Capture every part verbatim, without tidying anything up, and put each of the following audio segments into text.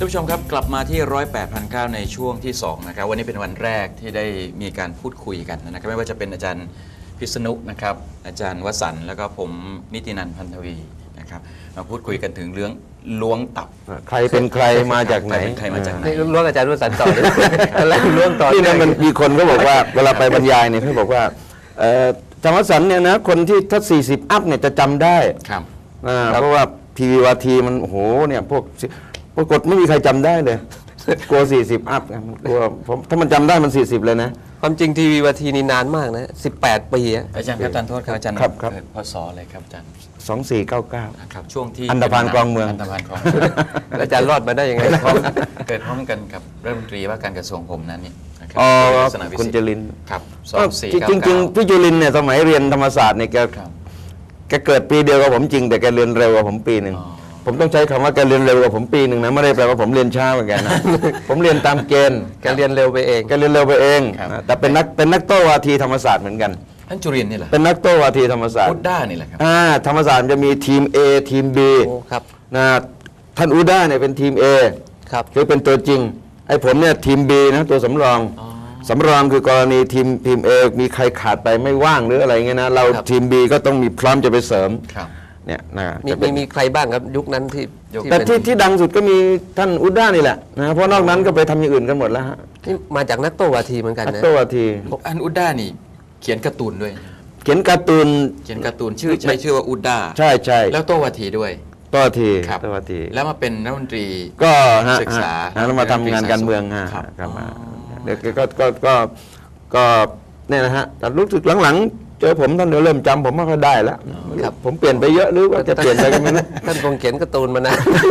านผู้ชมครับกลับมาที่ร้อยแปดพันเก้าในช่วงที่สองนะครับวันนี้เป็นวันแรกที่ได้มีการพูดคุยกันนะครับไม่ว่าจะเป็นอาจารย์พิษณุนะครับอาจารย์วสันต์แล้วก็ผมนิตินันท์พันธวีนะครับมาพูดคุยกันถึงเรื่องล้วงตับใครเป็นใครมาจากไหนใครมาจากไหนล้วงอาจารย์วสันต์ต่อแล้วล้วงต่อที่นั่นมันมีคนก็บอกว่าเวลาไปบรรยายเนี่ยเขาบอกว่าอาจารย์วสันต์เนี่ยนะคนที่ถ้าสี่สิบอัพเนี่ยจะจำได้ครับเพราะว่าทีวีวาทีมันโอ้โหเนี่ยพวกปรากฏไม่มีใครจำได้เลยกลัวสี่สิบอัพกลัวผมถ้ามันจำได้มันสี่สิบเลยนะความจริงทีวีวาทีนี่นานมากนะสิบแปดปีอาจารย์ครับอาจารย์โทษครับอาจารย์ครับครับพศอะไรครับอาจารย์สองสี่เก้าเก้าครับช่วงที่อันธพาลคลองเมืองอันธพาลคลองอาจารย์รอดมาได้ยังไงเกิดพร้อมกันกับรัฐมนตรีว่าการกระทรวงผมนั้นนี่อ๋อคุณจุลินทร์ครับสองสี่เก้าเก้าจริงๆพี่จุลินทร์เนี่ยสมัยเรียนธรรมศาสตร์เนี่ยแกแกเกิดปีเดียวกับผมจริงแต่แกเรียนเร็วกว่าผมปีหนึ่งผมต้องใช้คำว่าแกเรียนเร็วกว่าผมปีหนึ่งนะไม่ได้แปลว่าผมเรียนช้าเหมือนกันนะผมเรียนตามเกณฑ์แกเรียนเร็วไปเองแกเรียนเร็วไปเองแต่เป็นนักเป็นนักโต้วาทีธรรมศาสตร์เหมือนกันท่านจุรินทร์นี่แหละเป็นนักโต้วาทีธรรมศาสตร์อุดด้านี่แหละครับอ่าธรรมศาสตร์จะมีทีม A ทีม B ครับนะท่านอุดด้าเนี่ยเป็นทีม A ครับคือเป็นตัวจริงไอ้ผมเนี่ยทีม B นะตัวสำรองสำรองคือกรณีทีมทีม A มีใครขาดไปไม่ว่างหรืออะไรเงี้ยนะเราทีม B ก็ต้องมีพร้อมจะไปเสริมเนี่ยนะมีมีมีใครบ้างครับยุคนั้นที่แต่ที่ที่ดังสุดก็มีท่านอุดด้านี่แหละนะเพราะนอกนั้นก็ไปทำอย่างอื่นกันหมดแล้วฮะนี่มาจากนักโต้วาทีเหมือนกันนะนักโต้วาทีอันอุดด้านี่เขียนการ์ตูนด้วยเขียนการ์ตูนเขียนการ์ตูนชื่อใช้ชื่อว่าอุดด้าใช่ใช่แล้วโต้วาทีด้วยโต้วาทีครับโต้วาทีแล้วมาเป็นรัฐมนตรีก็ศึกษาแล้วมาทำงานการเมืองฮะครับมาเดี๋ยวก็ก็ก็ก็เนี่ยนะฮะแต่รู้สึกหลังๆเจอผมท่านเดี๋ยวเริ่มจำผมไม่ค่อยได้แล้วผมเปลี่ยนไปเยอะหรือว่าจะเปลี่ยนไปกันไหมนะท่านคงเขียนการ์ตูนมานะ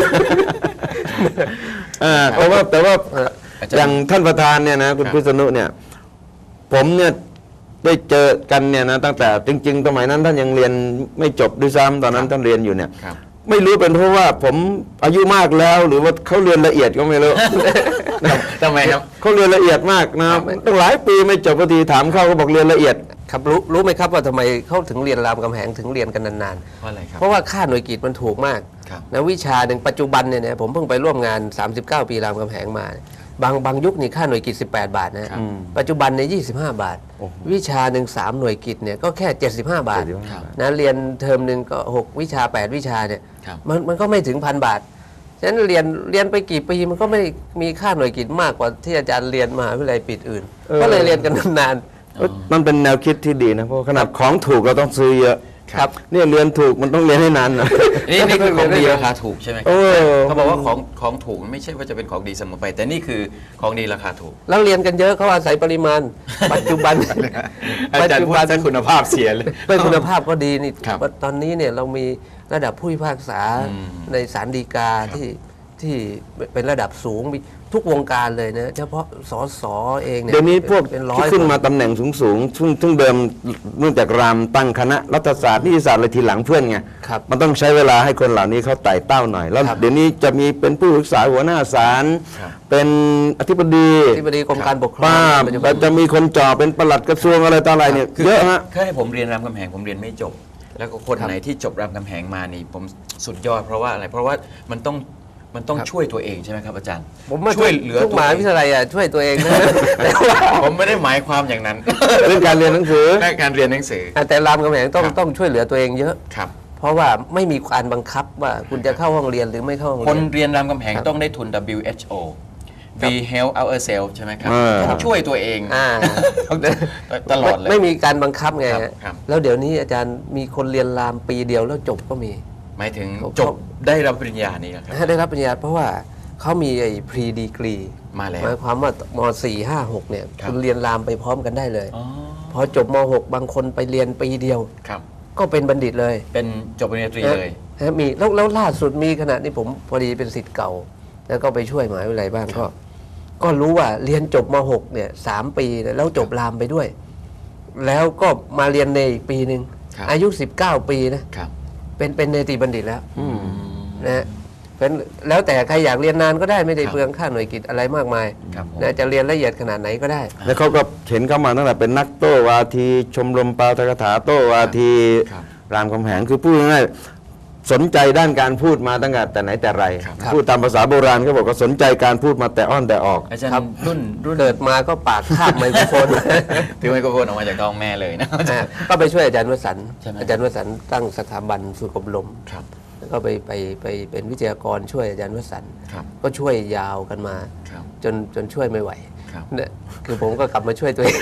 แต่ว่าแต่ว่าอย่างท่านประธานเนี่ยนะคุณพิษณุเนี่ยผมเนี่ยได้เจอกันเนี่ยนะตั้งแต่จริงๆสมัยนั้นท่านยังเรียนไม่จบด้วยซ้ำตอนนั้นท่านเรียนอยู่เนี่ยไม่รู้เป็นเพราะว่าผมอายุมากแล้วหรือว่าเขาเรียนละเอียดก็ไม่รู้ทำไมครับเขาเรียนละเอียดมากนะตั้งหลายปีไม่จบพอดีถามเขาก็บอกเรียนละเอียดครับรู้รู้ไหมครับว่าทำไมเขาถึงเรียนรามคำแหงถึงเรียนกันนานๆเพราะอะไรครับเพราะว่าค่าหน่วยกิตมันถูกมากนะวิชาหนึ่งปัจจุบันเนี่ยผมเพิ่งไปร่วมงานสามสิบเก้าปีรามคำแหงมาบางบางยุคนี่ค่าหน่วยกิตสิบแปดบาทนะปัจจุบันในยี่สิบห้าบาทวิชาหนึ่งสามหน่วยกิตเนี่ยก็แค่เจ็ดสิบห้าบาทนะเรียนเทอมหนึ่งก็หกวิชาแปดวิชาเนี่ยมันมันก็ไม่ถึงพันบาทฉะนั้นเรียนเรียนไปกี่ปีมันก็ไม่มีค่าหน่วยกิตมากกว่าที่อาจารย์เรียนมหาวิทยาลัยปิดอื่นก็เลยเรียนกันนานมันเป็นแนวคิดที่ดีนะเพราะขนาดของถูกเราต้องซื้อเยอะครับเนี่ยเรียนถูกมันต้องเรียนให้นานนะนี่นี่คือของดีราคาถูกใช่ไหมครับเขาบอกว่าของของถูกไม่ใช่ว่าจะเป็นของดีเสมอไปแต่นี่คือของดีราคาถูกแล้วเรียนกันเยอะเขาอาศัยปริมาณปัจจุบันอาจารย์พูดจะคุณภาพเสียเลยเป็นคุณภาพก็ดีนี่ตอนนี้เนี่ยเรามีระดับผู้พิพากษาในศาลฎีกาที่ที่เป็นระดับสูงมีทุกวงการเลยนะเฉพาะสสเองเนี่ยเดี๋ยวนี้พวกที่ขึ้นมาตำแหน่งสูงๆซึ่งซึ่งเดิมเนื่องจากรามตั้งคณะรัฐศาสตร์นิติศาสตร์อะไรทีหลังเพื่อนไงมันต้องใช้เวลาให้คนเหล่านี้เขาไต่เต้าหน่อยแล้วเดี๋ยวนี้จะมีเป็นผู้ปรึกษาหัวหน้าศาลเป็นอธิบดีอธิบดีกรมการปกครองจะมีคนจ่อเป็นปลัดกระทรวงอะไรต่ออะไรเนี่ยเยอะฮะแค่ให้ผมเรียนรามคำแหงผมเรียนไม่จบแล้วก็คนไหนที่จบรามคำแหงมานี่ผมสุดยอดเพราะว่าอะไรเพราะว่ามันต้องมันต้องช่วยตัวเองใช่ไหมครับอาจารย์ผมมาช่วยเหลือทุกมหาวิทยาลัยอ่ะช่วยตัวเองนะผมไม่ได้หมายความอย่างนั้นเรื่องการเรียนหนังสือแค่การเรียนหนังสือแต่รามคำแหงต้องต้องช่วยเหลือตัวเองเยอะครับเพราะว่าไม่มีการบังคับว่าคุณจะเข้าห้องเรียนหรือไม่เข้าห้องเรียนคนเรียนรามคำแหงต้องได้ทุน ดับเบิลยู เอช โอ We help ourselves ใช่ไหมครับต้องช่วยตัวเองตลอดเลยไม่มีการบังคับไงแล้วเดี๋ยวนี้อาจารย์มีคนเรียนรามปีเดียวแล้วจบก็มีหมายถึงจบได้รับปริญญานี่ครับได้รับปริญญาเพราะว่าเขามีไอ้ pre degree มาแล้วหมายความว่าม สี่ ห้า หกเนี่ยคุณเรียนรามไปพร้อมกันได้เลยพอจบม หกบางคนไปเรียนปีเดียวก็เป็นบัณฑิตเลยเป็นจบปริญญาตรีเลยมีแล้วแล้วล่าสุดมีขณะนี้ผมพอดีเป็นศิษย์เก่าแล้วก็ไปช่วยมหาวิทยาลัยบ้างก็ก็รู้ว่าเรียนจบม หกเนี่ยสามปีแล้วจบรามไปด้วยแล้วก็มาเรียนในอีกปีหนึ่งอายุสิบเก้าปีนะเป็นเป็นเนติบัณฑิตแล้วนะเป็นแล้วแต่ใครอยากเรียนนานก็ได้ไม่ได้เปลืองค่าหน่วยกิตอะไรมากมายนะจะเรียนละเอียดขนาดไหนก็ได้แล้วเขาก็เห็นเข้ามาตั้งแต่เป็นนักโต้วาทีชมรมปาฐกถาโต้วาทีรามคำแหงคือพูดง่ายๆสนใจด้านการพูดมาตั้งแต่แต่ไหนแต่ไรครับพูดตามภาษาโบราณเขาบอกว่าสนใจการพูดมาแต่อ้อนแต่ออกอาจารย์ครับรุ่นรุ่นเกิดมาก็ปากคาบไมโครโฟนถือไมโครโฟนออกมาจากท้องแม่เลยนะอ่าก็ไปช่วยอาจารย์วสันต์ใช่ไหมอาจารย์วสันต์ตั้งสถาบันฝึกอบรมครับแล้วก็ไปไปไปเป็นวิทยากรช่วยอาจารย์วสันต์ครับก็ช่วยยาวกันมาครับจนจนช่วยไม่ไหวครับเนี่ยคือผมก็กลับมาช่วยตัวเอง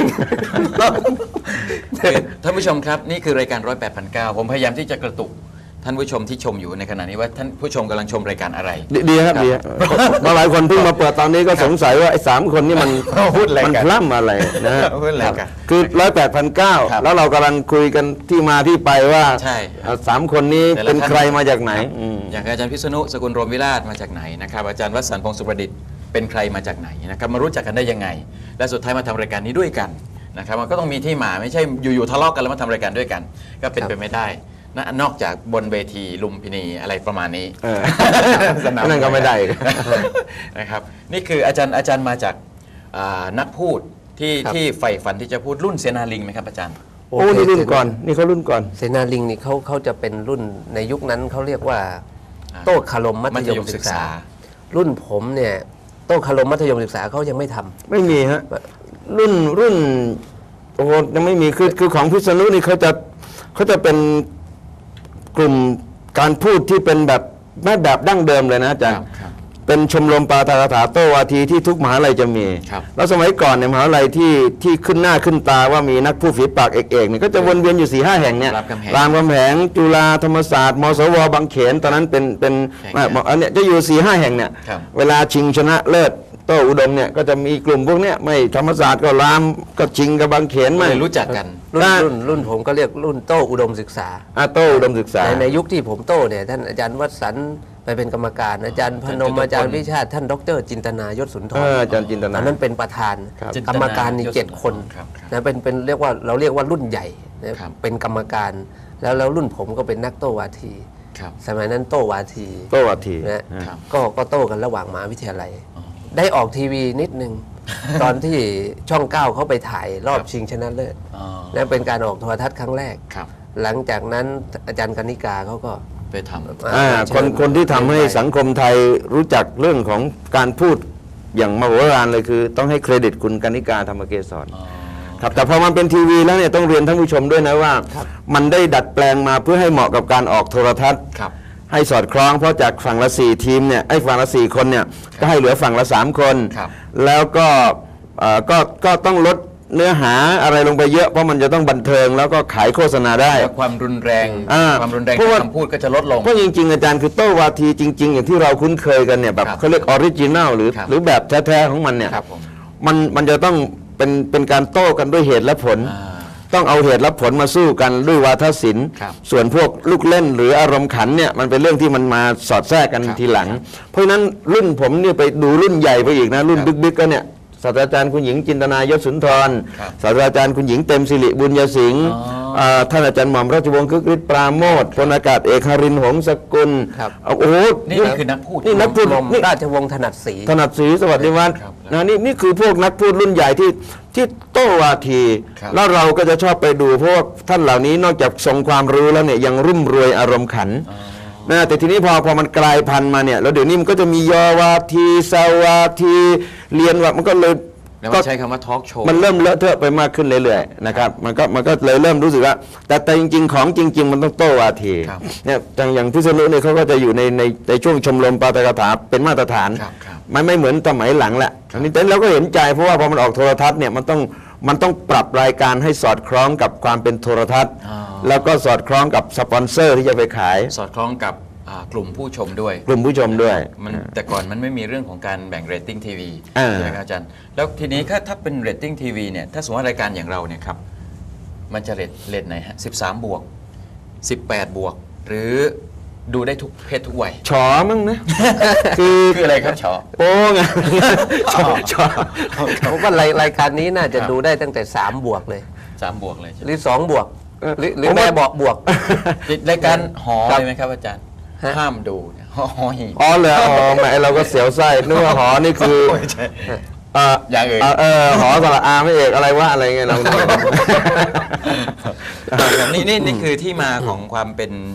คือท่านผู้ชมครับนี่คือรายการร้อยแปดพันเก้าผมพยายามที่จะกระตุกท่านผู้ชมที่ชมอยู่ในขณะนี้ว่าท่านผู้ชมกำลังชมรายการอะไรดีดีครับดีครับมาหลายคนเพิ่งมาเปิดตอนนี้ก็สงสัยว่าไอ้สามคนนี่มันพูดอะไรกันมันพล่ำอะไรนะฮะพูดอะไรกันคือร้อยแปดพันเก้าครับแล้วเรากำลังคุยกันที่มาที่ไปว่าใช่เอ่อสามคนนี้แต่ละเป็นท่านใครมาจากไหนอืมอย่างอาจารย์พิษณุสกุลรวมวิราชมาจากไหนนะครับอาจารย์วสันต์พงศ์สุประดิษฐ์เป็นใครมาจากไหนนะครับมารู้จักกันได้ยังไง และสุดท้ายมาทำรายการนี้ด้วยกันนะครับมันก็ต้องมีที่มาไม่ใช่อยู่ๆทะเลาะกันแล้วมาทำรายการด้วยกัน ก็เป็นครับไปไม่ได้นะนอกจากบนเวทีลุมพินีอะไรประมาณนี้เออสนามนั่นก็ไม่ได้นะครับนี่คืออาจารย์อาจารย์มาจากอ่านักพูดที่ครับที่ใฝ่ฝันที่จะพูดรุ่นเสนาลิงไหมครับอาจารย์โอ้นี่รุ่นก่อนนี่เขารุ่นก่อนเสนาลิงนี่เขาเขาจะเป็นรุ่นในยุคนั้นเขาเรียกว่าอ่าโต้คารมมัธยมศึกษา รุ่นผมเนี่ยโต้คารมมัธยมศึกษาเขายังไม่ทำไม่มีฮะรุ่นรุ่นโอ้โหยังไม่มีคือคือของพิษณุนี่เขาจะเขาจะเป็นกลุ่มการพูดที่เป็นแบบไม่แบบดั้งเดิมเลยนะอาจารย์ครับเป็นชมรมปาฐกถาโตวาทีที่ทุกมหาลัยจะมีครับแล้วสมัยก่อนเนี่ยมหาลัยที่ที่ขึ้นหน้าขึ้นตาว่ามีนักพูดฝีปากเอกๆเนี่ยก็จะวนเวียนอยู่สี่ห้าแห่งเนี่ยรามคำแหงรามคำแหงจุฬาธรรมศาสตร์มศวบางเขนตอนนั้นเป็นเป็นแห่งอ่ะอันเนี้ยจะอยู่สี่ห้าแห่งเนี่ยครับเวลาชิงชนะเลิศโต้อุดมเนี่ยก็จะมีกลุ่มพวกเนี้ยไม่ธรรมศาสตร์ก็รามก็ชิงกับบางเขนไม่ไม่รู้จักกันรุ่นได้รุ่นรุ่นผมก็เรียกรุ่นโต้อุดมศึกษาอาโต้อุดมศึกษาในในยุคที่ผมโต้เนี่ยท่านอาจารย์วสันต์ไปเป็นกรรมการอาจารย์พนมอาจารย์อาจารย์วิชาติท่านดรจินตนายศสุนทเอรออาจารย์จินตนาอันนั้นเป็นประธานครับกรรมการนี่จินตนายศเจ็ดคนครับครับนะเป็นเป็นเรียกว่าเราเรียกว่ารุ่นใหญ่นะครับ เป็นกรรมการ แล้วแล้วรุ่นผมก็เป็นนักโต้วาทีครับสมัยนั้นโต้วาทีโต้วาทีนะครับก็ก็โต้กันระหว่างมหาวิทยาลัย ได้ออกทีวีนิดนึง ตอนที่ช่องเก้าเขาไปถ่ายรอบครับชิงชนะเลิศอ๋อนั่นเป็นการออกโทรทัศน์ครั้งแรกครับหลังจากนั้นอาจารย์กนิกาเขาก็ไปทำอ่าเชิญคนคนที่ทำให้สังคมไทยรู้จักเรื่องของการพูดอย่างมโหฬารเลยคือ ต้องให้เครดิตคุณกนิกาธรรมเกศรอ๋อครับแต่พอมันเป็นทีวีแล้วเนี่ยต้องเรียนท่านผู้ชมด้วยนะว่า มันได้ดัดแปลงมาเพื่อให้เหมาะกับการออกโทรทัศน์ครับให้สอดคล้องเพราะจากฝั่งละสี่ทีมเนี่ยไอ้ฝั่งละสี่คนเนี่ยก็ให้เหลือฝั่งละสามคนครับแล้วก็เอ่อก็ก็ต้องลดเนื้อหาอะไรลงไปเยอะเพราะมันจะต้องบันเทิงแล้วก็ขายโฆษณาได้แล้วความรุนแรงอ่าความรุนแรงเพราะทาว่างคำพูดก็จะลดลงเพราะจริงๆอาจารย์คือโต้วาทีจริง ๆ อย่างที่เราคุ้นเคยกันเนี่ยแบบครับเขาเรียกออริจินัลหรือครับหรือแบบแท้ๆของมันเนี่ยครับผมมันมันจะต้องเป็นเป็นการโต้กันด้วยเหตุและผลอ่าต้องเอาเหตุและผลมาสู้กันด้วยวาทศิลป์ครับส่วนพวกลูกเล่นหรืออารมณ์ขันเนี่ยมันเป็นเรื่องที่มันมาสอดแทรกกันครับทีหลัง เพราะฉะนั้นรุ่นผมเนี่ยไปดูรุ่นใหญ่ไปอีกนะ รุ่นครับบิ๊กๆก็เนี่ยศาสตราจารย์คุณหญิงจินตนายศสุนทรครับศาสตราจารย์คุณหญิงเต็มสิริบุญยสิงห์อ๋ออ่าท่านอาจารย์หม่อมราชวงศ์คึกฤทธิ์ปราโมทพลอากาศเอกหรินทร์หงสกุลครับเอาโอ้โหนี่คือนักพูดนี่นักพูดกรมนี่ราชวงศ์ถนัดศรีถนัดศรีสวัสดิวัฒน์ครับนะนี่นี่คือพวกนักพูดรุ่นใหญ่ที่ที่โต้วาทีครับแล้วเราก็จะชอบไปดูเพราะว่าท่านเหล่านี้นอกจากทรงความรู้แล้วเนี่ยยังรุ่มรวยอารมณ์ขันนะแต่ทีนี้พอพอมันกลายพันธุ์มาเนี่ยแล้วเดี๋ยวนี้มันก็จะมียอวาทีสาวาทีเรียนว่ามันก็เลยแล้วก็มาใช้คำว่าทอล์กโชว์มันเริ่มเลอะเทอะไปมากขึ้นเรื่อยๆนะครับมันก็มันก็เลยเริ่มรู้สึกว่า แต่แต่จริง ๆ ของจริง ๆ มันต้องโต้วาทีครับเนี่ยอย่างอย่างพิษณุเนี่ยเขาก็จะอยู่ในในในช่วงชมรมปาฐกถาเป็นมาตรฐานครับครับมันไม่เหมือนสมัยหลังแหละอันนี้แต่เราก็เห็นใจเพราะว่าพอมันออกโทรทัศน์เนี่ยมันต้องมันต้องปรับรายการให้สอดคล้องกับความเป็นโทรทัศน์อ๋อแล้วก็สอดคล้องกับสปอนเซอร์ที่จะไปขายสอดคล้องกับอ่ากลุ่มผู้ชมด้วยกลุ่มผู้ชมด้วยมันแต่ก่อนมันไม่มีเรื่องของการแบ่งเรตติ้งทีวีอ่าใช่ไหมครับอาจารย์ แล้วทีนี้ถ้าถ้าเป็นเรตติ้งทีวีเนี่ยถ้าสมมติว่ารายการอย่างเราเนี่ยครับมันจะเรตเรตไหนฮะสิบสามบวกสิบแปดบวก หรือดูได้ทุกเพศทุกวัยฉอมั้งนะ คือคืออะไรครับชอโป้งอะฉอฉอผมว่ารายรายการนี้น่าจะครับดูได้ตั้งแต่สามบวกเลยสามบวกเลยใช่ไหหมรือสองบวก หรือหรือผมว่าแม่บอกบวกรายการหอครับเลยไหมครับอาจารย์ฮะห้ามดูเนี่ยหอหอหีบอ๋อเหรออ๋อแหมเราก็เสียวไส้นึกว่าหอนี่คือไม่ใช่เอ่ออย่างอื่นเออหอสระอาไม่เอกอะไรว่าอะไรเงี้ยเรานี่นี่นี่คือที่มาของความเป็น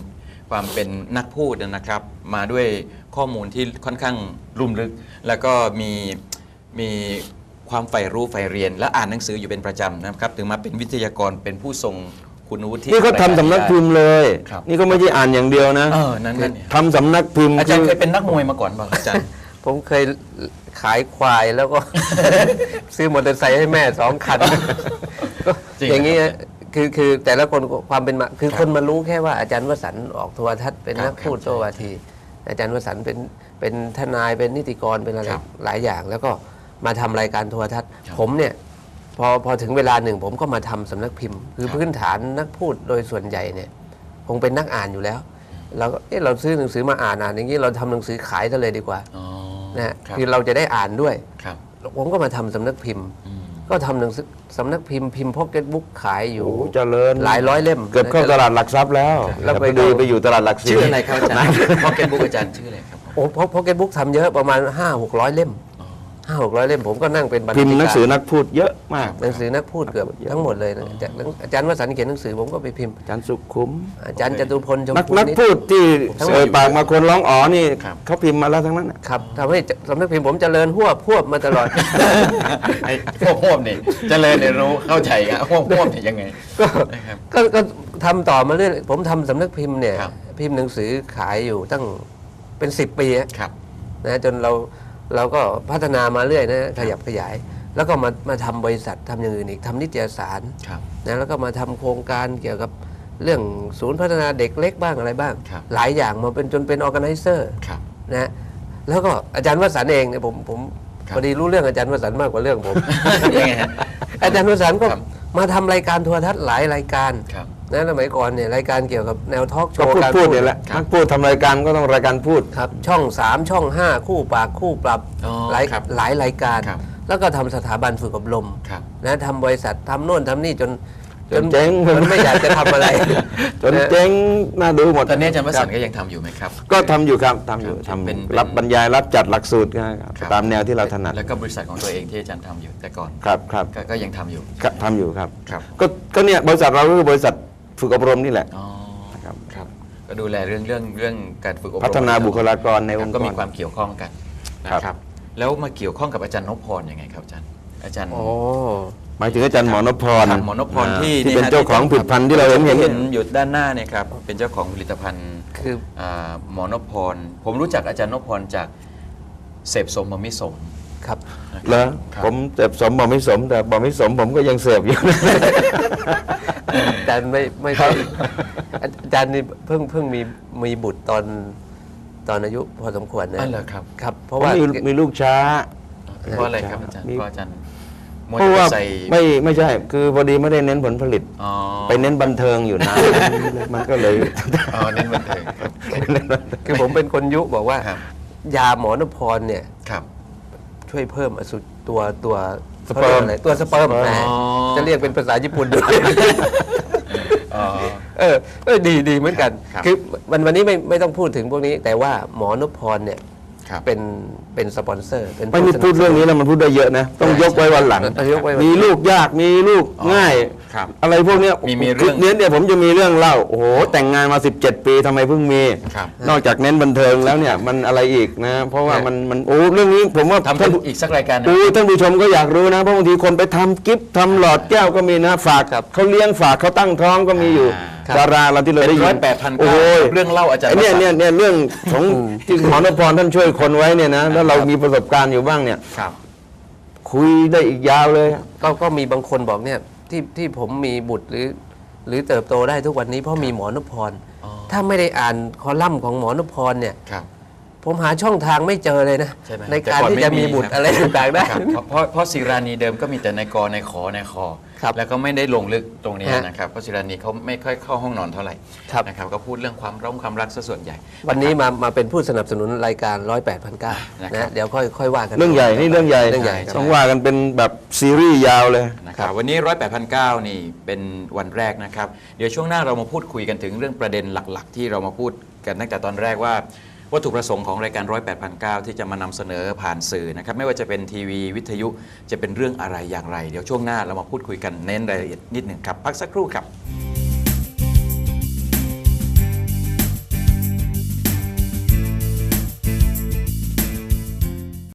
ความเป็นนักพูดนะครับ มาด้วยข้อมูลที่ค่อนข้างลุ่มลึก แล้วก็มีมีความใฝ่รู้ใฝ่เรียน และอ่านหนังสืออยู่เป็นประจำนะครับถึงมาเป็นวิทยากรเป็นผู้ทรงคุณวุฒินี่เขาทำสำนักพิมพ์เลยครับนี่ก็ไม่ใช่อ่านอย่างเดียวนะเออนั่นนั่นเนี่ยทำสำนักพิมพ์อาจารย์คืเคยเป็นนักมวยมาก่อนป่ะครับอาจารย์ผมเคยขายควายแล้วก็ ซื้อมอเตอร์ไซค์ให้แม่สองคันก็จริงอย่างนี้ครับคือคือแต่ละคนความเป็นมาคือครับคนมารู้แค่ว่าอาจารย์วสันต์ออกโทรทัศน์เป็นครับนักพูดครับโตวาที อาจารย์วสันต์เป็นเป็นทนายเป็นนิติกรเป็นอะไรครับหลายอย่าง แล้วก็มาทำรายการโทรทัศน์ครับผมเนี่ยพอพอถึงเวลาหนึ่งผมก็มาทำสำนักพิมพ์ คือครับพื้นฐานนักพูดโดยส่วนใหญ่เนี่ยคงเป็นนักอ่านอยู่แล้วเราก็เอ๊ะเราซื้อหนังสือมาอ่านอ่านอย่างนี้เราทำหนังสือขายซะเลยดีกว่าอ๋อนะฮะครับคือเราจะได้อ่านด้วยครับผมก็มาทำสำนักพิมพ์อืมก็ทำหนังสือสำนักพิมพ์พิมพ์พ็อกเก็ตบุ๊กขายอยู่โอ้เจริญหลายร้อยเล่มเกือบเข้าตลาดหลักทรัพย์แล้วแล้วแล้วไปไปดูไปอยู่ตลาดหลักสี่ชื่ออะไรครับอาจารย์พอเก็ตบุ๊กอาจารย์ชื่ออะไรครับโอ้พ็อกเก็ตบุ๊กทำเยอะประมาณห้าหกร้อยเล่มห้าหกร้อยเล่มผมก็นั่งเป็นบรรณาพิธิมพ์หนังกาสือรนักพูดเยอะมากหนังสือนักพูดเกือบทั้งหมดเลยนะจากอาจารย์วสันต์เขียนหนังสือผมก็ไปพิมพ์อาจารย์สุขุมอาจารย์จตุพลชมนักพูนักนิดพูดที่ทั้งหมดเอ่ยปากมาคนร้องอ๋อนี่ครับเขาพิมพ์มาแล้วทั้งนั้นน่ะครับทำให้สำนักพิมพ์ผมเจริญหัวบพวบมาตลอดไอ้พวกพวกนี่เจริญเนี่ยรู้เข้าใจอะพวกพวกนี่ยังไงก็นะครับก็ก็ทำต่อมาเรื่อยผมทำสำนักพิมพ์เนี่ยครับพิมพ์หนังสือขายอยู่ตั้งเป็นสิบปีอะครับนะจนเราเราก็พัฒนามาเรื่อยนะขยับขยาย แล้วก็มามาทำบริษัททำอย่างอื่นอีกทำนิตยสารครับนะแล้วก็มาทำโครงการเกี่ยวกับเรื่องศูนย์พัฒนาเด็กเล็กบ้างอะไรบ้างครับหลายอย่างมาเป็นจนเป็นออแกไนเซอร์ครับนะแล้วก็อาจารย์วสันต์เองเนี่ยผมผมครับพอดีรู้เรื่องอาจารย์วสันต์มากกว่าเรื่องผมยังไงฮะอาจารย์วสันต์ก็ครับมาทำรายการโทรทัศน์หลายรายการครับนะสมัยก่อนเนี่ยรายการเกี่ยวกับแนวทอล์กโชก็ว์พูดการพูดเนี่ยแหละครับนักพูดทำรายการก็ต้องรายการพูดครับช่องสามช่องห้าคู่ปากคู่ปรับอ๋อหลายครับหลายรายการครับแล้วก็ทำสถาบันฝึกอบรมครับนะทำบริษัททำโน่นทำนี่จนจนเจ๊งจนไม่อยากจะทำอะไรจนเจ๊งน่าดูหมดตอนนี้อาจารย์วสันต์ก็ยังทำอยู่ไหมครับก็ทำอยู่ครับทำอยู่ครับทำเป็นเป็นรับบรรยายรับจัดหลักสูตรนะครับครับตามแนวที่เราถนัดแล้วก็บริษัทของตัวเองที่อาจารย์ทำอยู่แต่ก่อนครับครับก็ก็ยังทำอยู่ครับทำอยู่ครับครับก็ก็เนี่ยบริษัทเราก็คือบริษัทฝึกอบรมนี่แหละอ๋อครับครับก็ดูแลเรื่องเรื่องเรื่องการฝึกอบรมพัฒนาบุคลากรในองค์กรก็มีความเกี่ยวข้องกันนะคครัรับบแล้วมาเกี่ยวข้องกับอาจารย์นพพรยังไงครับอาจารย์อาจารย์โอ้หมายถึงอาจารย์หมอนพพรครับหมอนพพรที่ที่เป็นยฮะเจ้าของผลิตภัณฑ์ที่เราเห็นเห็นเห็นอยู่ด้านหน้าเนี่ยครับเป็นเจ้าของผลิตภัณฑ์คืออ่าหมอนพพรผมรู้จักอาจารย์นพพรจากเสพสมบมิสมครับเหรอครับผมเสพสมบอกไม่สม แต่บอกไม่สมผมก็ยังเสพอยู่อาจารย์ไม่ไม่ค่อยอาจารย์นี่เพิ่งเพิ่งมีมีบุตรตอนตอนอายุพอสมควรนะอ๋อเหรอครับครับ เพเพราะราะว่ามีมีลูกช้าเพราะอะไรครับอาจารย์มีเพราะอาจารย์มัวเพแต่ราะว่าใส่ไม่ไม่ใช่ คือพอดีไม่ได้เน้นผลผลิตอ๋อไปเน้นบันเทิงอยู่นาน มันก็เลยอ๋อเน้นบันเทิงครับคือผมเป็นคนยุบอกว่าครับยาหมอนพรเนี่ยครับช่วยเพิ่มอสุตัวตัวสเปิร์มขารียกอะไรตัวสเปิร์มสเปิร์มแหมอ๋อจะเรียกเป็นภาษาญี่ปุ่นด้วยอ๋อเออเออดีดีเหมือนกันครับคือวันวันนี้ไม่ไม่ต้องพูดถึงพวกนี้ แต่ว่าหมอนพพรเนี่ยครับเป็นเป็นสปอนเซอร์เป็นไม่มีผู้สนับพูดเรื่องนี้แล้วมันพูดได้เยอะนะ ต้องยกไว้วันหลังต้องยกไว้วันหลังมีลูกยากมีลูกอ๋อง่ายครับอะไรพวกเนี้ยมีมีเรื่องเนี้ยเนี่ยผมจะมีเรื่องเล่าโอ้โหแต่งงานมาสิบเจ็ดปีทำไมเพิ่งมีครับนอกจากเน้นบันเทิงแล้วเนี่ยมันอะไรอีกนะ เพราะว่ามันมันโอ้เรื่องนี้ผมว่าทำท่านอีกสักรายการนะโอ้ท่านผู้ชมก็อยากรู้นะเพราะบางทีคนไปทำกิฟต์ทำหลอดแก้วก็มีนะฝากเขาเลี้ยงฝากเขาตั้งท้องก็มีอยู่ครับดาราเราที่เราเป็นได้ยินร้อยแปดพันโอ้เก้าโหเรื่องเล่าอาจารย์ไอ้เนี่ยวสัเนี่ยนต์เนี่ยเรื่องของที่หมอนพรท่านช่วยคนไว้เนี่ยนะแล้วเรามีประสบการณ์อยู่บ้างเนี่ยครับคุยได้อีกยาวเลยก็ก็มีบางคนบอกเนี่ยที่ที่ผมมีบุตรหรือ หรือเติบโตได้ทุกวันนี้เพราะมีหมอนพพรอ๋อถ้าไม่ได้อ่านคอลัมน์ของหมอนพพรเนี่ยครับผมหาช่องทางไม่เจอเลยนะใช่ไหมในการที่จะมีบุตรอะไรต่างๆได้ครับเพราะเพราะเพราะศิรานีเดิมก็มีแต่ในกอในขอในคอครับแล้วก็ไม่ได้ลงลึกตรงนี้ฮะนะครับเพราะศิรานีเขาไม่ค่อยเข้าห้องนอนเท่าไหร่ครับนะครับก็พูดเรื่องความร้องความรักซะส่วนใหญ่วันนี้มามาเป็นผู้สนับสนุนรายการร้อยแปดพันเก้านะครับนะเดี๋ยวค่อยค่อยว่ากันเรื่องใหญ่นี่เรื่องใหญ่เรื่องใหญ่ต้องว่ากันเป็นแบบซีรีส์ยาวเลยนะครับวันนี้ร้อยแปดพันเก้านี่เป็นวันแรกนะครับ เดี๋ยวช่วงหน้าเรามาพูดคุยกันถึงเรื่องประเด็นหลัก ๆ ที่เรามาพูดกันตั้งแต่ตอนแรกว่าวัตถุประสงค์ของรายการร้อยแปดพันเก้าที่จะมานำเสนอผ่านสื่อนะครับไม่ว่าจะเป็นทีวีวิทยุจะเป็นเรื่องอะไรอย่างไร เดี๋ยวช่วงหน้าเรามาพูดคุยกันเน้นรายละเอียดนิดหนึ่งครับพักสักครู่ครับ